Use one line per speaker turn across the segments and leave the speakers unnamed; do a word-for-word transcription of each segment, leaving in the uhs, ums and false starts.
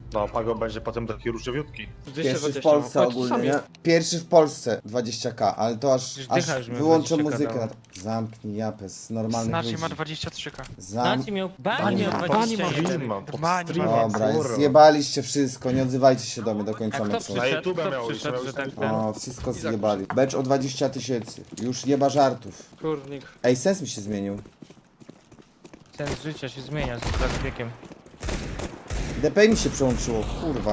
No, Pago będzie potem taki różowiutki.
Pierwszy w Polsce ogólnie, nie? Pierwszy w Polsce dwadzieścia k, ale to aż,
Przecież
aż
Dycha już miał
wyłączę
dwadzieścia ka
muzykę.
dało.
Na... Zamknij japę z normalnych
Znaczy
ludzi.
ma dwadzieścia trzy ka.
Zam...
Znaczy miał, Bani
Bani
miał
ma-
dwadzieścia
Bani
jeden.
ma pod
Bani ma
streamem,
Dobra,
kurwa.
zjebaliście wszystko, nie odzywajcie się do mnie do
A
końca
kto
meczu.
Na
przyszedł?
YouTube
Kto
miał iść,
przyszedł,
miał
że
iść
tak
na
ten...
O, wszystko zjebali. Becz o dwadzieścia tysięcy. Już nie ma żartów.
Kurnik.
Ej, sens mi się zmienił.
Sens życia się zmienia z z wiekiem.
D P mi się przełączyło, kurwa.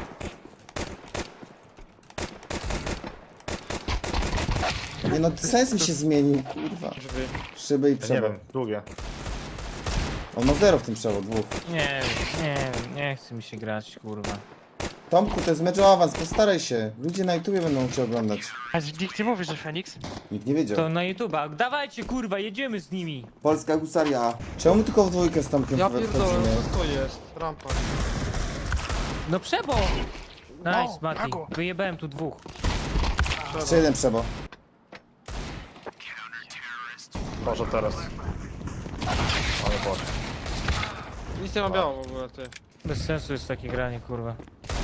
Nie no, sens mi się zmienił, kurwa.
Drzwi.
Szyby i
Ja nie
przewód.
wiem, długie.
On ma zero w tym przewód, dwóch.
Nie, nie, nie chce mi się grać, kurwa.
Tomku, to jest mecz o awans, postaraj się. Ludzie na YouTubie będą cię oglądać.
A nikt nie mówi, że Feniks?
Nikt nie wiedział.
To na YouTube'a. Dawajcie, kurwa, jedziemy z nimi.
Polska Husaria. Czemu tylko w dwójkę z Tomkiem
Ja
we-
pierdolę,
wchodzimy?
co to jest? Rampa.
No przebo! Nice,
O,
Mati.
Pago.
Wyjebałem tu dwóch.
Jeszcze jeden przebo.
Może teraz. Ale Boże.
Nic nie ma biało w ogóle, ty.
Bez sensu jest takie granie, kurwa.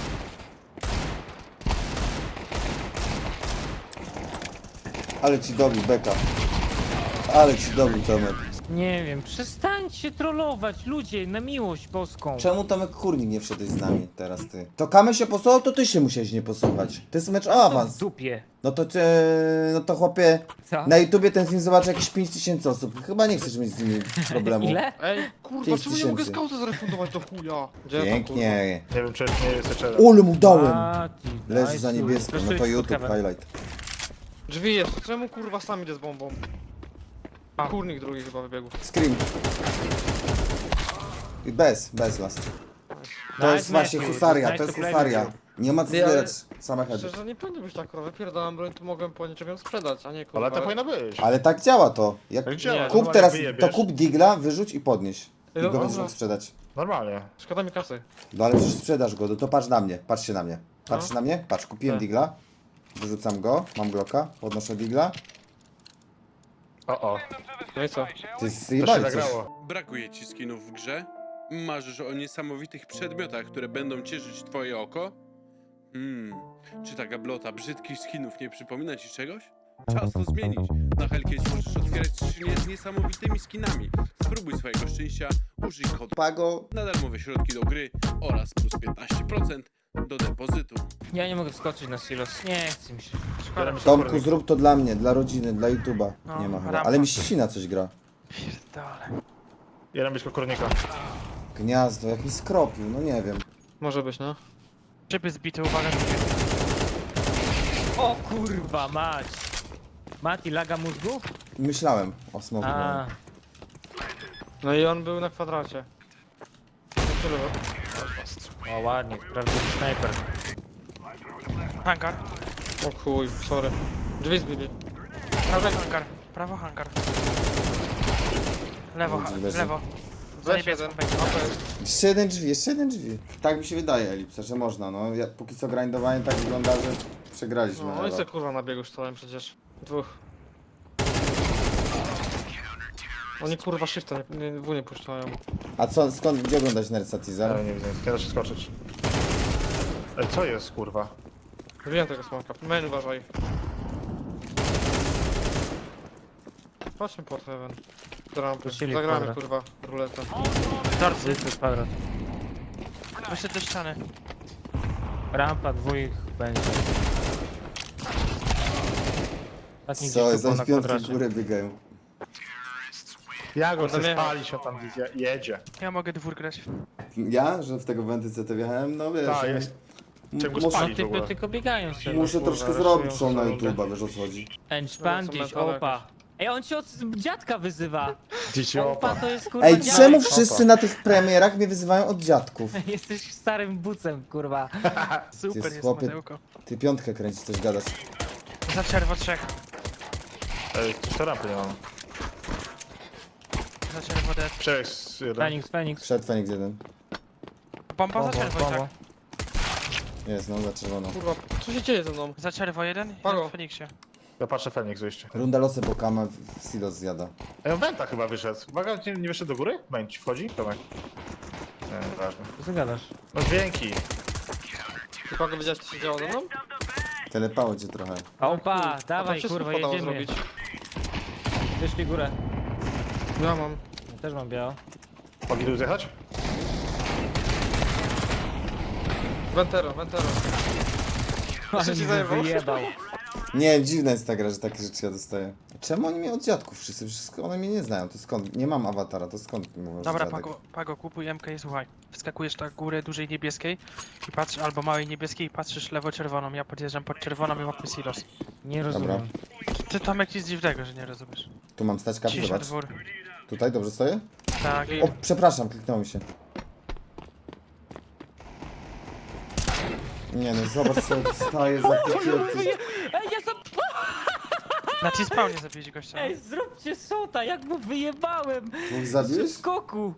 Ale ci dobił, beka. Ale ci dobił, Tomek.
Nie wiem, przestańcie trollować, ludzie, na miłość boską.
Czemu Tomek Kurnik nie wszedłeś z nami teraz ty? To Kamy się posłuchał, to ty się musiałeś nie posłuchać. To jest mecz o
W
awans.
dupie.
No to cię, no to chłopie,
Co?
na YouTubie ten film zobaczy jakieś pięć tysięcy osób. Chyba nie chcesz mieć z nimi problemu.
Ile?
Ej, kurwa,
pięć
czemu nie mogę
tysięcy.
skauta zrefundować do chuja? Gdzie
Pięknie.
Nie wiem, czy nie jest jeszcze jeden.
Ole mu dałem.
Mati,
Leży
nice,
za niebiesko, no
Zresztą
to
jest
YouTube
pod heaven.
highlight.
Drzwi jest, czemu kurwa sam idę z bombą? Kurnik drugi chyba wybiegł.
Scream. I bez, bez last. To
Nice
jest właśnie
Matthew,
husaria,
nice
to jest
to play
husaria.
with
Nie ma co
Ty, ale-
zbierać samochody.
Szczerze, nie powinno być tak, kurwa. Wypierdałem broń, to mogłem po niczym ją sprzedać, a nie kurwa.
Ale tak powinno być.
Ale tak działa to. Jak
Tak działa.
Nie,
kup
Normalnie
teraz,
wyjebiesz.
to kup digla, wyrzuć i podnieś. I
No,
go będziesz
dobra.
mógł sprzedać.
Normalnie.
Szkoda mi kasy.
No ale przecież sprzedasz go, no to patrz na mnie, patrzcie na mnie. Patrz
No.
na mnie, patrz, kupiłem
Tak.
digla. Wyrzucam go, mam glocka, podnoszę digla.
O, o.
No i co?
Ty
To się
zjebali coś.
nagrało.
Brakuje ci skinów w grze? Marzysz o niesamowitych przedmiotach, które będą cieszyć twoje oko? Hmm, czy ta gablota brzydkich skinów nie przypomina ci czegoś? Czas to zmienić. Na Hellcase możesz otwierać skrzynie z niesamowitymi skinami. Spróbuj swojego szczęścia, użyj kodu
Pago,
na darmowe środki do gry oraz plus piętnaście procent do depozytu.
Ja nie mogę wskoczyć na silos, nie chce mi się.
Szkoda mi się.
Tomku zrób to dla mnie, dla rodziny, dla YouTube'a.
No,
Nie ma chyba.
rampa.
Ale mi ścina coś gra.
Pierdolę.
Jeden blisko kornika.
Gniazdo, jak mi skropił, no nie wiem.
Może być, no.
Szyby zbite, uwaga.
O kurwa mać. Mati, laga mózgu?
Myślałem o smoku.
A,
No i on był na kwadracie. No tyle.
o ładnie, prawdziwy snajper.
Hangar.
O chuj, sorry. Drzwi zbili.
Prawo hangar. Prawo hangar. Lewo, ha-
Leży.
lewo. Za
Weź
niebieską
jeden.
będzie.
A to jest.
Jeszcze jeden drzwi, jeszcze jeden drzwi. Tak mi się wydaje, Elipsa, że można, no. Ja, póki co grindowanie tak wygląda, że przegraliśmy.
No i
ale-
se kurwa na biegu stałem przecież. Dwóch. Oni kurwa shifta nie, nie, w nie puszczają.
A co, skąd, gdzie oglądać Nersa Teaser?
Ale nie widzę, nie da się skoczyć. Ej, co jest, kurwa?
Wiem tego smoka. Main uważaj. Patrzmy pod heaven. Do rampy.
Prosili
Zagramy
kwadrat.
kurwa ruletę.
Torcy.
To jest kwadrat.
Wyszedł do ściany.
Rampa dwóch będzie. Ostatni
Co,
gdzieś tu
za
na
piątki
kwadracie.
górę biegają.
Ja go
Kurde,
chcę
nie.
spalić, on tam je- jedzie.
Ja mogę dwór grać.
Ja, że w tego Wenty C T wjechałem, no wiesz.
Tak,
m-
jest.
m-
Czego
muszę,
No
spalić w
typy
ogóle?
tylko biegają sobie.
muszę
kurwa,
troszkę
raszują
zrobić show na
sobie.
YouTube'a, wiesz o co chodzi.
Enszpandiś,
No, co metale
opa. Ej, on cię od dziadka wyzywa.
Dzieci
Opa
opa.
to jest kurwa
Ej,
dziadek.
czemu wszyscy na tych premierach mnie wyzywają od dziadków?
Jesteś starym bucem, kurwa.
Super
jest
jest
chłopie-
Mateuko.
Ty piątkę kręcisz, coś gadasz.
Za czerwo trzech.
Ej, jeszcze rampy nie mam.
Za czerwo dead.
Przejdź jeden.
Feniks, Feniks.
Wszedł Feniks jeden.
Bomba za
Bombo,
czerwo,
bombo.
tak.
Jest, no, za czerwoną.
Kurwa, co się dzieje ze mną?
Za czerwo jeden,
Pago.
jeden w Feniksie.
Ja patrzę Feniks wyjście.
Runda losy, bo Kama w w silos zjada.
Ej, on Wenta chyba wyszedł. Uwaga, nie, nie wyszedł do góry? Węć, wchodzi? Tomek. Nie, nieważne.
Co ty gadasz?
No dźwięki.
Ty Pago wiedziałeś, co się działo ze mną?
Telepało cię trochę.
Opa,
A to
dawaj
wszystko
kurwa,
podało
jedziemy.
zrobić.
Wyszli górę.
Ja mam.
Ja też mam biało.
Mogli tu zjechać?
Ventero, Ventero.
Ale
ci
mi
zajebał?
wyjebał.
Nie, dziwna jest ta gra, że takie rzeczy ja dostaję. Czemu oni mnie od dziadków wszyscy? Wszystko one mnie nie znają, to skąd? Nie mam awatara, to skąd mówią, że
Dobra,
dziadek?
Pago, Pago, kupuj M K i słuchaj. Wskakujesz na górę dużej niebieskiej i patrz, albo małej niebieskiej i patrzysz lewo-czerwoną. Ja podjeżdżam pod czerwoną i łapię silos.
Nie rozumiem.
Ty Tomek nic dziwnego, że nie rozumiesz.
Tu mam stać kapy,
Cisza
zobacz.
dwór.
Tutaj, dobrze stoję?
Tak.
O, przepraszam, kliknął mi się. Nie no, zobacz co dostaję za takiego...
Ej, ja sam...
Na T-spawnie zabiłeś gościa.
Ej, zróbcie sota, jak mu wyjebałem!
Dwóch
W
zabiłeś?
skoku!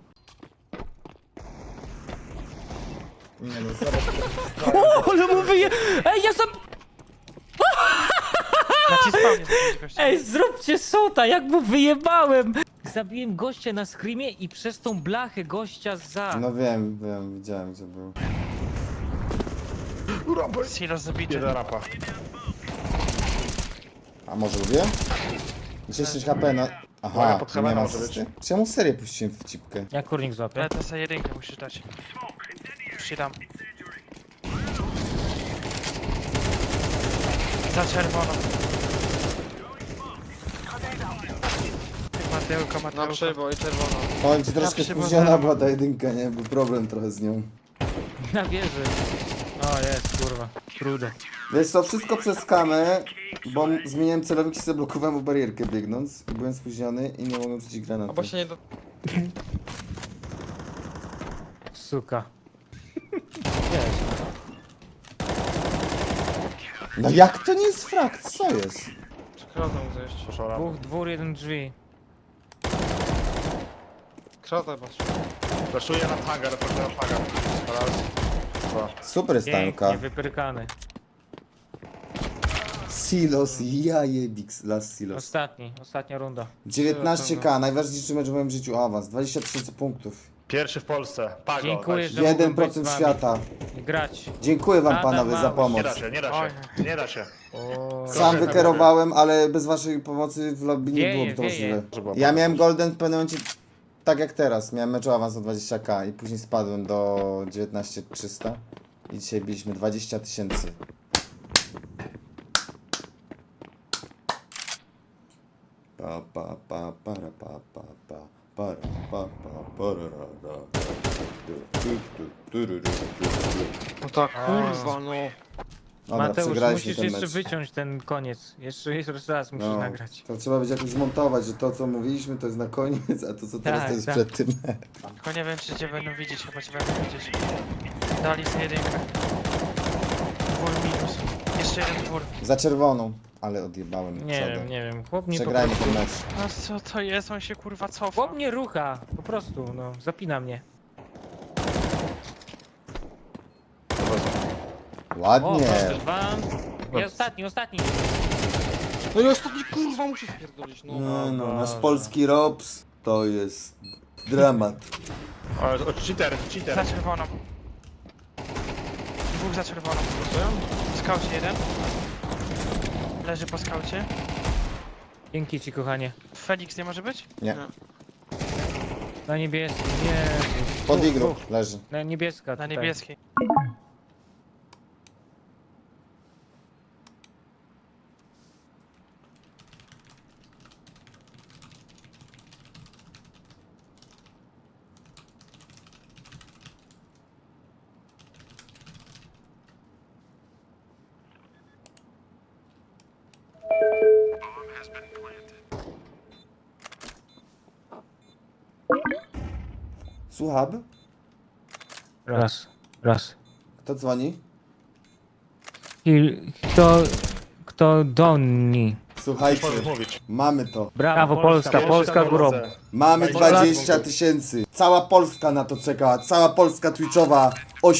Nie no, zobacz co dostaję.
O, ale mu wyje... Ej, ja sam...
Na T-spawnie zabiłeś gościa.
Ej, zróbcie sota, jak mu wyjebałem! Zabiłem gościa na screamie i przez tą blachę gościa za...
No wiem, wiem, widziałem gdzie był.
Silos zabity.
Jedna rapa.
A może lubię? dziesięć H P na...
Uwaga,
Aha,
pod
to nie
kamerą
ma
może być.
asysty? Czemu serię puściłem w cipkę?
Jak kurnik złapie?
Ale to sobie jedynkę musisz dać. Już ci dam. Za czerwoną. Mateuko,
Na
Mateuko.
przejbo i czerwono.
Powiem ci, troszkę
się
spóźniona
podoba.
była ta jedynka, nie? Był problem trochę z nią.
Na wieży. O, jest, kurwa. Trudo.
Wiesz co, wszystko przez kamę, bo m- zmieniłem celownik i sobie blokowałem w barierkę biegnąc. I byłem spóźniony i nie mogłem rzucić granatu.
Albo się nie do...
Suka. Jest.
No jak to nie jest frakt? Co jest?
Kratę mu zejść.
Proszę o rampę.
Dwóch, dwór, jeden drzwi.
Kratę patrz.
Flaszuję na hangar, flaszuję na hangar. Raz, dwa.
Super jest
Pięknie,
tanka.
wypyrkany.
Silos, ja jebix, last silos.
Ostatni, ostatnia runda.
dziewiętnaście K, najważniejszy mecz w moim życiu awans. dwadzieścia tysięcy punktów.
Pierwszy w Polsce. Pago.
Dziękuję,
dajcie.
że mogłem
jeden
być
procent
z wami
świata.
i grać.
Dziękuję wam
Adam
panowie za
Małysz.
pomoc.
Nie da się, nie da
Oj.
się. Nie da się.
O,
Sam
Proszę,
wykierowałem, ale bez waszej pomocy w lobby nie
Wieje,
byłoby to
wieje.
możliwe.
Że było
Ja
bardzo
miałem
dobrze.
golden w pewnym momencie, tak jak teraz, miałem mecz o awans o dwadzieścia K i później spadłem do dziewiętnaście trzysta i dzisiaj biliśmy dwadzieścia tysięcy. Pa pa pa para pa pa pa para pa pa parara ra. Tu, tu, tu, tururu, tu, tu.
No tak, kurwa no.
Dobra,
Mateusz,
przegraliśmy
musisz
ten
jeszcze
mecz.
wyciąć ten koniec. Jeszcze, jeszcze raz musisz
No,
nagrać.
to trzeba będzie jakoś zmontować, że to co mówiliśmy to jest na koniec, a to co teraz
Tak,
to jest
tak.
przed tym.
Tylko nie wiem, czy cię będą widzieć, chyba cię będą widzieć. Dali sobie jedynkę. Dwór minus. Jeszcze jeden dwór.
Za czerwoną, ale odjebałem
Nie
przodę.
wiem, nie wiem. Chłop mnie po
Przegrajmy
prostu...
ten mecz.
No co to jest? On się kurwa cofa.
Chłop mnie rucha. Po prostu, no. Zapina mnie. O,
Ładnie.
proszę, dwa. I ostatni, ostatni.
No i ostatni kurwa muszę spierdolić, no.
No, no, nasz
Boże.
polski Robs to jest dramat.
O, o, cheater,
Za
cheater.
czerwoną. Dwóch za czerwoną. W skaucie jeden. Leży po skaucie.
Dzięki ci, kochanie.
Felix nie może być?
Nie,
Na niebieskim, nie.
pod igru leży.
Na niebieska
Na
tutaj.
niebieskiej.
Słucham?
Raz, raz.
Kto dzwoni?
I kto... Kto doni?
Słuchajcie,
Możesz mówić.
mamy to.
Brawo, Polska, Polska górą.
Mamy
Dwadzieścia
dwadzieścia tysięcy. Cała Polska na to czekała. Cała Polska Twitchowa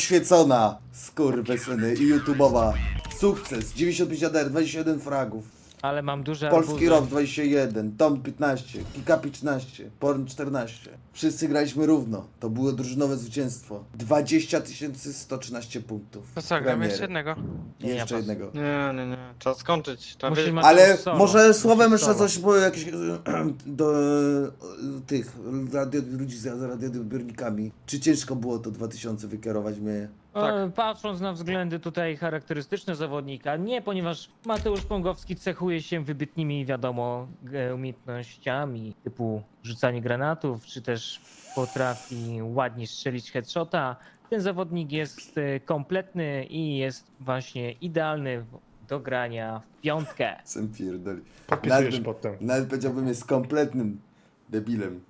oświecona. Skurwysyny i YouTube'owa. Sukces. dziewięćdziesiąt pięć A D R, dwadzieścia jeden fragów.
Ale mam duże
Polski
arbuzy.
Rok dwadzieścia jeden, Tom piętnaście, Kika piętnaście, Porn czternaście. Wszyscy graliśmy równo. To było drużynowe zwycięstwo. dwadzieścia tysięcy sto trzynaście punktów.
To co, gramy
Premiery.
jeszcze jednego?
I
Nie,
jeszcze
ja
jednego.
Nie, nie, nie. Trzeba skończyć. Trzeba
Musi
wiedzieć-
ma-
Ale
solo.
może słowem
Musisz
jeszcze
solo.
coś, bo jakieś do e, tych radio, ludzi z radioodbiornikami. Czy ciężko było to dwa tysiące wykierować mnie?
E, Patrząc na względy tutaj charakterystyczne zawodnika, nie, ponieważ Mateusz Pągowski cechuje się wybytnymi, wiadomo, e, umiejętnościami typu rzucanie granatów, czy też potrafi ładnie strzelić headshota. Ten zawodnik jest e, kompletny i jest właśnie idealny do grania w piątkę.
Sem pierdoli.
Podpisujesz
Nawet bym-
potem.
Nawet powiedziałbym jest kompletnym debilem.